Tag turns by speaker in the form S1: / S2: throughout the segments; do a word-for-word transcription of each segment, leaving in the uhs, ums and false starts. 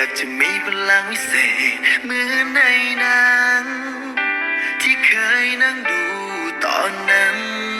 S1: ากจะมีพลังวิเศษเหมือนในหนังที่เคยนั่งดูตอนนั้น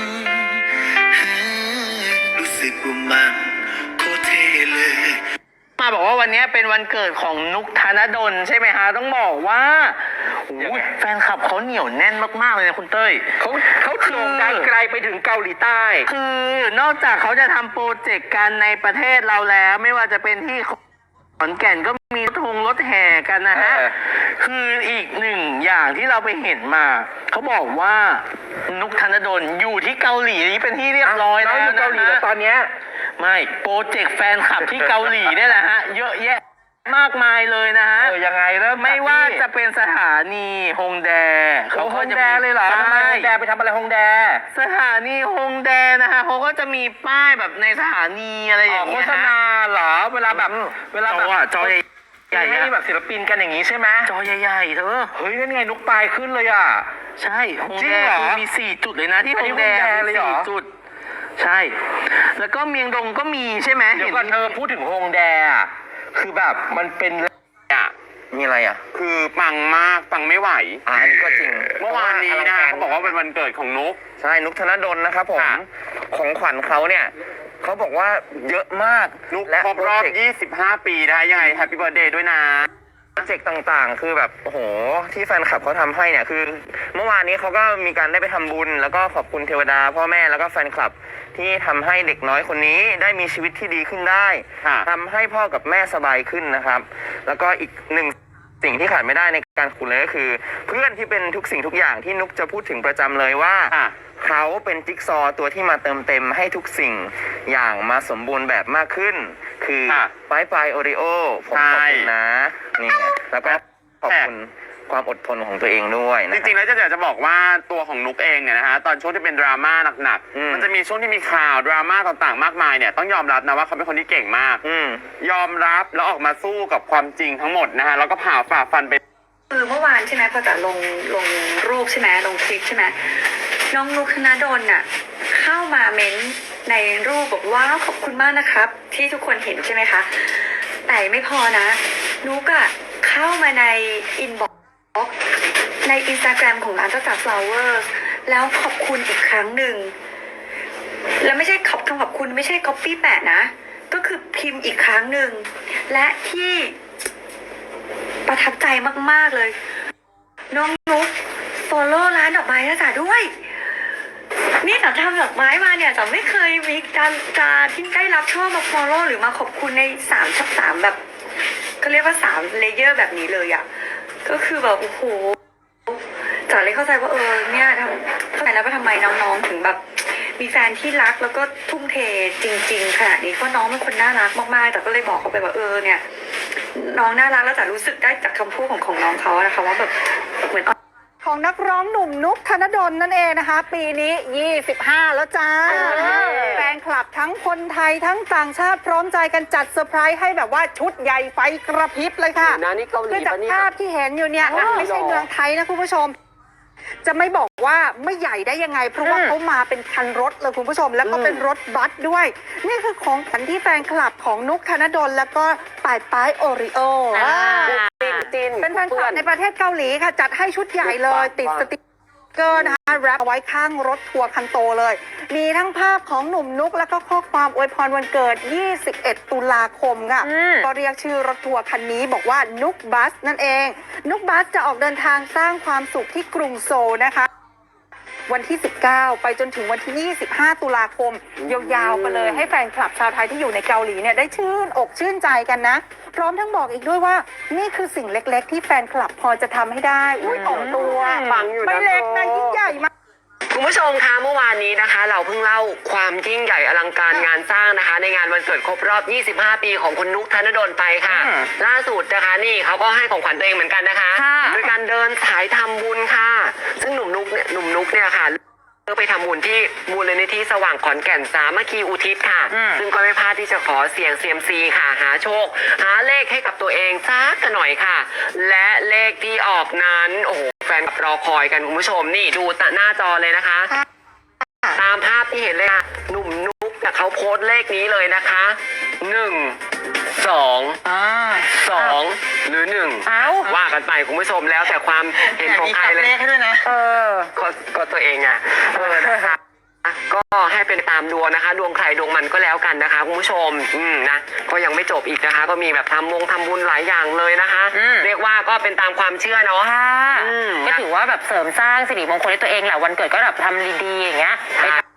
S1: รู้สึกว่ามันโคตรเท่เลย
S2: มาบอกว่าวันนี้เป็นวันเกิดของนุกธนดลใช่ไหมฮะต้องบอกว่าแฟนคลับเขาเหนียวแน่นมากๆเลยนะคุณเต้ย
S3: เขาเขาโด่งดังไกลไปถึงเกาหลีใต้
S2: คือนอกจากเขาจะทำโปรเจกต์กันในประเทศเราแล้วไม่ว่าจะเป็นที่ขอนแก่นก็มีรถทงรถแห่กันนะฮะคืออีกหนึ่งอย่างที่เราไปเห็นมาเขาบอกว่านุกธนดลอยู่ที่เกาหลีเป็นที่เรียบร้อยแล้วนะ
S3: เกาหลีแล้วตอนเนี้ย
S2: ไม่โปรเจกต์แฟนคลับที่เกาหลีเนี่ยแหละฮะเยอะแยะมากมายเลยนะฮะ
S3: เออยังไงเริ่ม
S2: ไม่ว่าจะเป็นสถานีฮงแด
S3: เขาฮงแดเลยเหรอทำไมฮงแดไปทำอะไรฮงแด
S2: สถานีฮงแดนะฮะเขาก็จะมีป้ายแบบในสถานีอะไรอย่างเงี้ย
S3: โฆษณาเหรอเวลาแบบเวลาแบบ
S2: จอใหญ่
S3: ให้แบบศิลปินกันอย่างนี้ใช่ไหม
S2: จอใหญ่ๆเธอ
S3: เฮ้ยนั่นไงนุกปลายขึ้นเลยอ่ะ
S2: ใช่ฮงแดมีสี่จุดเลยนะที่ฮงแด
S3: เลยเหรอ
S2: จุดใช่แล้วก็เมียงดงก็มีใช่ไหม
S3: เดี๋ยวก่อนเธอพูดถึงฮงแดอ่ะคือแบบมันเป็นอ่ะมีอะไรอ่ะ
S4: คือปังมากปังไม่ไหว
S3: อ่าอันนี้ก็จริง
S4: เมื่อวานนี้นะเขาบอกว่าเป็นวันเกิดของนุก
S3: ใช่นุกธนดลนะครับผมของขวัญเขาเนี่ยเขาบอกว่าเยอะมาก
S4: นุกครบรอบยี่สิบห้าปีได้ยังไงแฮปปี้เบิร์ธเดย์ด้วยนะ
S3: โปรเจกต์ต่างๆคือแบบโอ้โหที่แฟนคลับเขาทำให้เนี่ยคือเมื่อวานนี้เขาก็มีการได้ไปทำบุญแล้วก็ขอบคุณเทวดาพ่อแม่แล้วก็แฟนคลับที่ทำให้เด็กน้อยคนนี้ได้มีชีวิตที่ดีขึ้นได้ทำให้พ่อกับแม่สบายขึ้นนะครับแล้วก็อีกหนึ่งสิ่งที่ขาดไม่ได้ในการคุณเลยก็คือเพื่อนที่เป็นทุกสิ่งทุกอย่างที่นุกจะพูดถึงประจำเลยว่าเขาเป็นจิ๊กซอตัวที่มาเติมเต็มให้ทุกสิ่งอย่างมาสมบูรณ์แบบมากขึ้นคือปลายปลายโอริโอผมขอบคุณนะนี่แล้วก็ขอบคุณความอดทนของตัวเองด้วยนะ
S4: จริงๆแล้วจะอยากจะบอกว่าตัวของนุกเองเนี่ยนะฮะตอนช่วงที่เป็นดราม่าหนักๆมันจะมีช่วงที่มีข่าวดราม่าต่างๆมากมายเนี่ยต้องยอมรับนะว่าเขาเป็นคนที่เก่งมากยอมรับแล้วออกมาสู้กับความจริงทั้งหมดนะฮะแล้วก็ผ่าฝ่าฟันไป
S5: คือเมื่อวานใช่ไหมพอจะลงลงรูปใช่ไหมลงคลิปใช่ไหมน้องนุกธนดลน่ะเข้ามาเม้นในรูปบอกว่าขอบคุณมากนะครับที่ทุกคนเห็นใช่ไหมคะแต่ไม่พอนะนุกอะเข้ามาในอินบ็อกซ์ในอินสตาแกรมของร้านเจ้าจ๋า Flowers แล้วขอบคุณอีกครั้งหนึ่งแล้วไม่ใช่ขอบคำขอบคุณไม่ใช่ copy แปะนะก็คือพิมพ์อีกครั้งหนึ่งและที่ประทับใจมากๆเลยน้องนุ๊กโฟโล่ร้านดอกไม้นะจ๊ะด้วยนี่จ๋าทำดอกไม้มาเนี่ยจ๋าไม่เคยมีการการที่ได้รับช่อมาโฟโล่หรือมาขอบคุณในสามชับสามแบบเขาเรียกว่าสามเลเยอร์แบบนี้เลยอ่ะก็คือแบบโอ้โหจ๋าเลยเข้าใจว่าเออเนี่ยทำเข้าใจแล้วว่าทำไมน้องๆถึงแบบมีแฟนที่รักแล้วก็ทุ่มเทจริงๆขนาดนี้เพราะน้องเป็นคนน่ารักมากๆแต่ก็เลยบอกเขาไปว่าเออเนี่ยน้องน่ารักแล้วจ๋ารู้สึกได้จากคำพูดของของน้องเขานะคะว่าแบบเหมือน
S6: ของนักร้องหนุ่มนุกธนดลนั่นเองนะคะปีนี้ยี่สิบห้าแล้วจ้าแฟนคลับทั้งคนไทยทั้งต่างชาติพร้อมใจกันจัดเซอร์ไพรส์ให้แบบว่าชุดใหญ่ไฟกระพริบเลยค่ะคือจากภาพที่เห็นอยู่เนี่ยไม่ใช่เมืองไทยนะคุณผู้ชมจะไม่บอกว่าไม่ใหญ่ได้ยังไงเพราะว่าเขามาเป็นคันรถเลยคุณผู้ชมแล้วก็เป็นรถบัสด้วยนี่คือของขวัญที่แฟนคลับของนุกธนดลแล้วก็ป่ายป้ายโอริโอเป็นแฟนคลับในประเทศเกาหลีค่ะจัดให้ชุดใหญ่เลยติดสติ๊กเกอร์นะคะแรปเอาไว้ข้างรถทัวร์คันโตเลยมีทั้งภาพของหนุ่มนุกแล้วก็ข้อความอวยพรวันเกิดยี่สิบเอ็ดตุลาคมค่ะก็เรียกชื่อรถทัวร์คันนี้บอกว่านุกบัสนั่นเองนุกบัสจะออกเดินทางสร้างความสุขที่กรุงโซลนะคะวันที่สิบเก้าไปจนถึงวันที่ยี่สิบห้าตุลาคมยาวๆไปเลยให้แฟนคลับชาวไทยที่อยู่ในเกาหลีเนี่ยได้ชื่นอกชื่นใจกันนะพร้อมทั้งบอกอีกด้วยว่านี่คือสิ่งเล็กๆที่แฟนคลับพอจะทำให้ได้อุ้ยต่อตัวไม่เล็กนะยิ่งใหญ่มาก
S3: คุณผู้ชมคะเมื่อวานนี้นะคะเราเพิ่งเล่าความยิ่งใหญ่อลังการงานสร้างนะคะในงานวันเกิดครบรอบยี่สิบห้าปีของคุณนุกธนดลไปค่ะล่าสุดนะคะนี่เขาก็ให้ของขวัญตัวเองเหมือนกันนะคะโดยการเดินสายทำบุญค่ะซึ่งหนุ่มนุกเนี่ยหนุ่มนุกเนี่ยค่ะไปทำบุญที่มูลนิธิสว่างขอนแก่นสามัคคีอุทิศค่ะซึ่งก็ไม่พลาดที่จะขอเสี่ยงเซียมซีค่ะหาโชคหาเลขให้กับตัวเองสักหน่อยค่ะและเลขที่ออกนั้นโอ้โหแฟนรอคอยกันคุณผู้ชมนี่ดูหน้าจอเลยนะคะตามภาพที่เห็นเลยค่ะหนุ่มนุ๊กเขาโพสต์เลขนี้เลยนะคะหนึ่ง
S7: สอง
S2: อ่า
S7: สองหรือหนึ่ง
S2: เอ้า
S7: ว่ากันไปคุณผู้ชมแล้วแต่ความเห็นของใครเลย
S2: ให้ด้วยนะ
S7: เออก็ก็ตัวเองอ่ะเออนะคะก็ให้เป็นตามดวงนะคะ ดวงใครดวงมันก็แล้วกันนะคะคุณผู้ชมอืมนะก็ยังไม่จบอีกนะคะ ก็มีแบบทำวงทำบุญหลายอย่างเลยนะคะ
S2: อืม
S7: เรียกว่าก็เป็นตามความเชื่อเนาะ
S8: ค่ะ
S7: อืม
S8: ก็ถือว่าแบบเสริมสร้างสิริมงคลให้ตัวเองแหละวันเกิดก็แบบทำดีๆอย่างเงี้ย
S7: ใช่